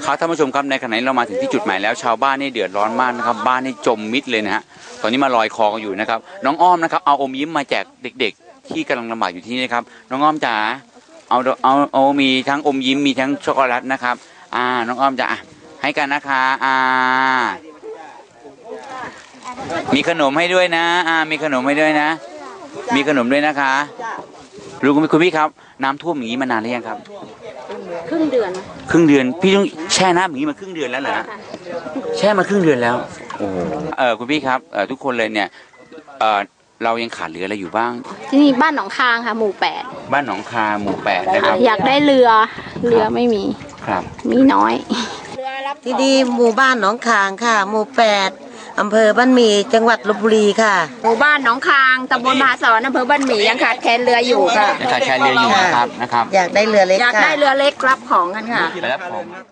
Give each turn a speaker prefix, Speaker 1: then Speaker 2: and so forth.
Speaker 1: ครับท่านผู้ชมครับในขณะนี้เรามาถึงที่จุดหมายแล้วชาวบ้านนี่เดือดร้อนมากนะครับบ้านนี่จมมิดเลยนะฮะตอนนี้มาลอยคอกันอยู่นะครับน้องอ้อมนะครับเอาอมยิ้มมาแจกเด็กๆที่กำลังลำบากอยู่ที่นี่นะครับน้องอ้อมจ๋าเอามีทั้งอมยิ้มมีทั้งช็อกโกแลตนะครับน้องอ้อมจะให้กันนะคะมีขนมให้ด้วยนะมีขนมให้ด้วยนะมีขนมด้วยนะคะรู้คุณพี่ครับน้ำท่วมอย่างนี้มานานหรือยังครับ
Speaker 2: ครึ่งเดือน
Speaker 1: พี่ต้องแช่น้ำอย่างนี้มาครึ่งเดือนแล้วเหรอแช่มาครึ่งเดือนแล้วโอ้คุณพี่ครับทุกคนเลยเนี่ยเรายังขาดเหลืออะไรอยู่บ้าง
Speaker 2: ที่นี่บ้านหนองคางค่ะหมู่8
Speaker 1: บ้านหนองคาหมู่8นะครับ
Speaker 2: อยากได้เรือไม่มี
Speaker 1: ครับ
Speaker 2: มีน้อย
Speaker 3: ที่นี่หมู่บ้านหนองคางค่ะหมู่8อำเภอบ้านหมี่จังหวัดลพบุรีค่ะ
Speaker 2: หมู่บ้านหนองคางตำบลมหาสอนอำเภอบ้านหมี่ยังขาดแคลนเรืออยู่ค่ะ
Speaker 1: ขาดแคลนเรืออยู่นะครับ
Speaker 3: อยากได้เรือเล็ก
Speaker 2: อยากได้เรือเล็กรับของกันค่ะ
Speaker 1: รับของ